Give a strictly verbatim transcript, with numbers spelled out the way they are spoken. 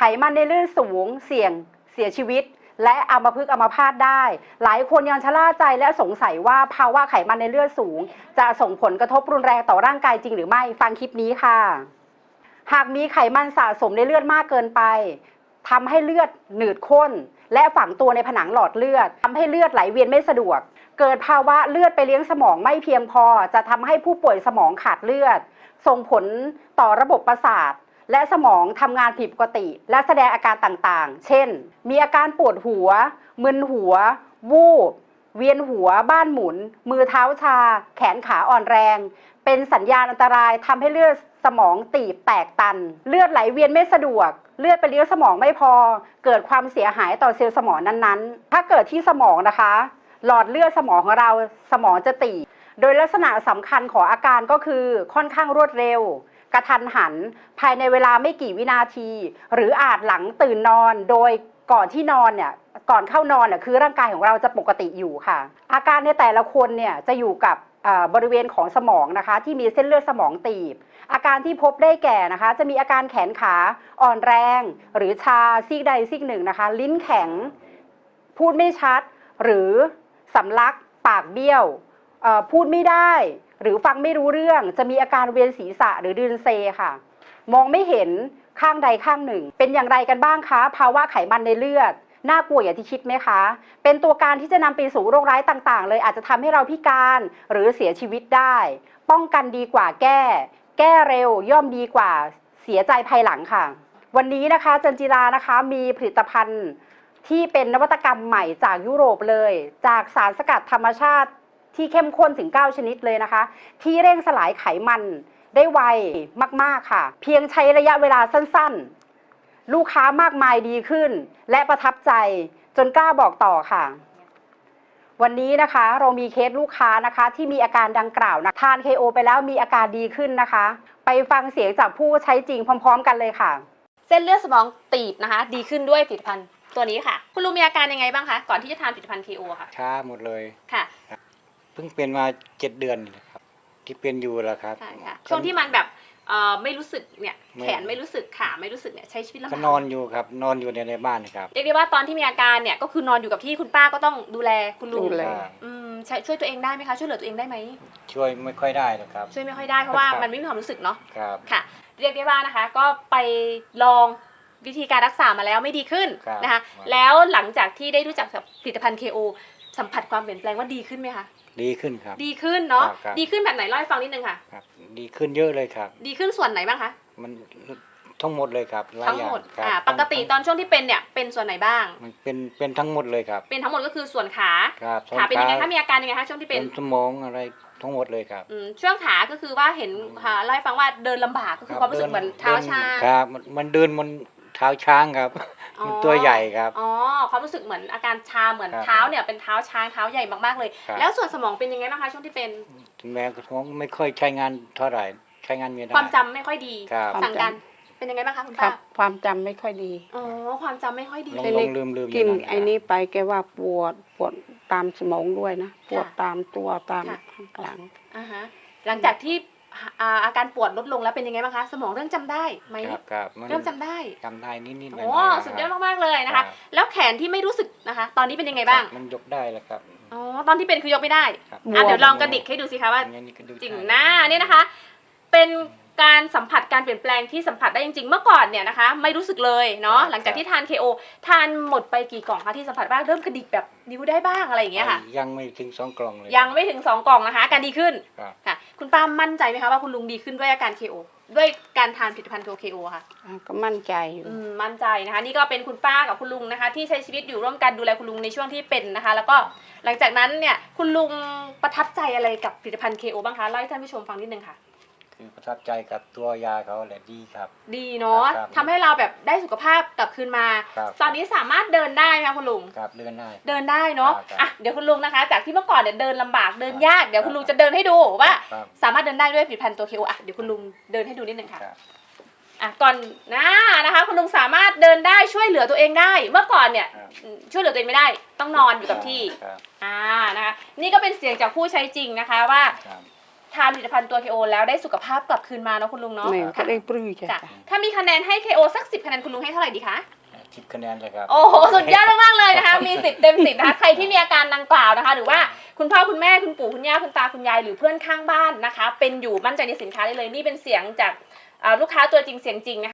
มันในเลือดสูงเสี่ยงเสียชีวิตและอัมพฤกษ์อัมพาตได้หลายคนยังชะล่าใจและสงสัยว่าภาวะไขมันในเลือดสูงจะส่งผลกระทบรุนแรงต่อร่างกายจริงหรือไม่ฟังคลิปนี้ค่ะหากมีไขมันสะสมในเลือดมากเกินไปทำให้เลือดหนืดข้นและฝังตัวในผนังหลอดเลือดทำให้เลือดไหลเวียนไม่สะดวกเกิดภาวะเลือดไปเลี้ยงสมองไม่เพียงพอจะทำให้ผู้ป่วยสมองขาดเลือดส่งผลต่อระบบประสาทและสมองทำงานผิดปกติและแสดงอาการต่างๆเช่นมีอาการปวดหัวมึนหัววูบเวียนหัวบ้านหมุนมือเท้าชาแขนขาอ่อนแรงเป็นสัญญาณอันตรายทำให้เลือดสมองตีบแตกตันเลือดไหลเวียนไม่สะดวกเลือดไปเลี้ยงสมองไม่พอเกิดความเสียหายต่อเซลล์สมองนั้นๆถ้าเกิดที่สมองนะคะหลอดเลือดสมองของเราสมองจะตีบโดยลักษณะสำคัญของอาการก็คือค่อนข้างรวดเร็วกระทันหันภายในเวลาไม่กี่วินาทีหรืออาจหลังตื่นนอนโดยก่อนที่นอนเนี่ยก่อนเข้านอนเนี่ยคือร่างกายของเราจะปกติอยู่ค่ะอาการในแต่ละคนเนี่ยจะอยู่กับบริเวณของสมองนะคะที่มีเส้นเลือดสมองตีบอาการที่พบได้แก่นะคะจะมีอาการแขนขาอ่อนแรงหรือชาซีกใดซีกหนึ่งนะคะลิ้นแข็งพูดไม่ชัดหรือสำลักปากเบี้ยวพูดไม่ได้หรือฟังไม่รู้เรื่องจะมีอาการเวียนศีรษะหรือดืนเซค่ะมองไม่เห็นข้างใดข้างหนึ่งเป็นอย่างไรกันบ้างคะภาวะไขมันในเลือดน่ากลัวอย่างที่คิดไหมคะเป็นตัวการที่จะนำไปสู่โรคร้ายต่างๆเลยอาจจะทำให้เราพิการหรือเสียชีวิตได้ป้องกันดีกว่าแก้แก้เร็วย่อมดีกว่าเสียใจภายหลังค่ะวันนี้นะคะจันจิรานะคะมีผลิตภัณฑ์ที่เป็นนวัตกรรมใหม่จากยุโรปเลยจากสารสกัดธรรมชาติที่เข้มข้นถึงเก้าชนิดเลยนะคะที่เร่งสลายไขมันได้ไวมากๆค่ะเพียงใช้ระยะเวลาสั้นๆลูกค้ามากมายดีขึ้นและประทับใจจนกล้าบอกต่อค่ะวันนี้นะคะเรามีเคสลูกค้านะคะที่มีอาการดังกล่าวนะทาน เค โอ ไปแล้วมีอาการดีขึ้นนะคะไปฟังเสียงจากผู้ใช้จริงพร้อมๆกันเลยค่ะเส้นเลือดสมองตีบนะคะดีขึ้นด้วยผลิตภัณฑ์ตัวนี้ค่ะคุณลุงมีอาการยังไงบ้างคะก่อนที่จะทานผลิตภัณฑ์ เค โอ ค่ะช้าหมดเลยค่ะเพิ่งเป็นมาเจ็ดเดือนครับที่เป็นอยู่แล้วครับใช่ค่ะช่วงที่มันแบบเอ่อไม่รู้สึกเนี่ยแขนไม่รู้สึกขาไม่รู้สึกเนี่ยใช้ชีวิตลำบากก็นอนอยู่ครับนอนอยู่ในในบ้านครับเรียกได้ว่าตอนที่มีอาการเนี่ยก็คือนอนอยู่กับที่คุณป้าก็ต้องดูแลคุณลุงดูแลอืมใช้ช่วยตัวเองได้ไหมคะช่วยเหลือตัวเองได้ไหมช่วยไม่ค่อยได้นะครับช่วยไม่ค่อยได้เพราะว่ามันไม่มีความรู้สึกเนาะครับค่ะเรียกได้ว่านะคะก็ไปลองวิธีการรักษามาแล้วไม่ดีขึ้นนะคะแล้วหลังจากที่ได้รู้จักกับผลิตภัณฑ์ เค โอ สัมผัสความเปลี่ยนแปลงว่าดีขึ้นไหมคะดีขึ้นครับดีขึ้นเนาะดีขึ้นแบบไหนเล่าให้ฟังนิดนึงค่ะครับดีขึ้นเยอะเลยครับดีขึ้นส่วนไหนบ้างคะมันทั้งหมดเลยครับทั้งหมดอ่าปกติตอนช่วงที่เป็นเนี่ยเป็นส่วนไหนบ้างมันเป็นเป็นทั้งหมดเลยครับเป็นทั้งหมดก็คือส่วนขาครับขาเป็นยังไงคะมีอาการยังไงคะช่วงที่เป็นสมองอะไรทั้งหมดเลยครับอืมช่วงขาก็คือว่าเห็นค่ะเล่าให้ฟังว่าเดินลำบากก็คือความรู้สึกเหมือนเท้าชาครับมันเดินมันเท้าช้างครับมันตัวใหญ่ครับอ๋อความรู้สึกเหมือนอาการชาเหมือนเท้าเนี่ยเป็นเท้าช้างเท้าใหญ่มากๆเลยแล้วส่วนสมองเป็นยังไงบ้างคะช่วงที่เป็นแม่ก็ท้องไม่ค่อยใช้งานเท่าไหร่ใช้งานไม่ได้ความจำไม่ค่อยดีสั่งการเป็นยังไงบ้างคะคุณป้าความจำไม่ค่อยดีอ๋อความจำไม่ค่อยดีลงลืมลืมกินไอ้นี้ไปแกว่าปวดปวดตามสมองด้วยนะปวดตามตัวตามข้างหลังอ่าฮะหลังจากที่อาการปวดลดลงแล้วเป็นยังไงบ้างคะสมองเริ่มจำได้ไหมครับเริ่มจำได้จำได้นิดๆหน่อยๆโอ้สุดยอดมากๆเลยนะคะแล้วแขนที่ไม่รู้สึกนะคะตอนนี้เป็นยังไงบ้างมันยกได้แล้วครับอ๋อตอนที่เป็นคือยกไม่ได้อ่ะเดี๋ยวลองกระดิกให้ดูสิคะว่าจริงหน้านี่นะคะเป็นการสัมผัสการเปลี่ยนแปลงที่สัมผัสได้จริงๆเมื่อก่อนเนี่ยนะคะไม่รู้สึกเลยเนาะหลังจากที่ทาน เค โอ ทานหมดไปกี่กล่องคะที่สัมผัสบ้างเริ่มกระดิกแบบนิ้วได้บ้างอะไรอย่างเงี้ยค่ะยังไม่ถึงสองกล่องเลยยังไม่ถึงสองกล่องนะคะการดีขึ้นค่ะคุณป้ามั่นใจไหมคะว่าคุณลุงดีขึ้นด้วยอาการ เค โอ ด้วยการทานผลิตภัณฑ์ เค โอ ค่ะก็มั่นใจอยู่มั่นใจนะคะนี่ก็เป็นคุณป้ากับคุณลุงนะคะที่ใช้ชีวิตอยู่ร่วมกันดูแลคุณลุงในช่วงที่เป็นนะคะแล้วก็หลังจากนั้นเนี่ยคุณลุงประทับใจอะไรกับผลิตภัณฑ์ เค โอ บ้างคะเล่าให้ท่านผู้ชมฟังนิดนึงค่ะคือประทับใจกับตัวยาเขาแหละดีครับดีเนาะทำให้เราแบบได้สุขภาพกลับคืนมาตอนนี้สามารถเดินได้ไหมคะคุณลุงครับเดินได้เดินได้เนาะอ่ะเดี๋ยวคุณลุงนะคะจากที่เมื่อก่อนเนี่ยเดินลำบากเดินยากเดี๋ยวคุณลุงจะเดินให้ดูว่าสามารถเดินได้ด้วยผลิตภัณฑ์ตัว เค โอ อ่ะเดี๋ยวคุณลุงเดินให้ดูนิดนึงค่ะอ่ะก่อนหน้านะคะคุณลุงสามารถเดินได้ช่วยเหลือตัวเองได้เมื่อก่อนเนี่ยช่วยเหลือตัวเองไม่ได้ต้องนอนอยู่กับที่อ่านะคะนี่ก็เป็นเสียงจากผู้ใช้จริงนะคะว่าทานผลิตภัณฑ์ตัว เค โอ แล้วได้สุขภาพกลับคืนมาเนาะคุณลุงเนาะนี่ก็ได้ปลื้มจ้ะจ้ะถ้ามีคะแนนให้ เค โอ สักสิบคะแนนคุณลุงให้เท่าไหร่ดีคะสิบคะแนนเลยครับโอ้โหสุดยอดมากๆเลยนะคะ มีสิบเต็มสิบนะคะ ใครที่มีอาการดังกล่าวนะคะ หรือว่าคุณพ่อคุณแม่คุณปู่คุณย่าคุณตาคุณยายหรือเพื่อนข้างบ้านนะคะ เป็นอยู่มั่นใจในสินค้าได้เลยนี่เป็นเสียงจากอ่าลูกค้าตัวจริงเสียงจริงนะคะ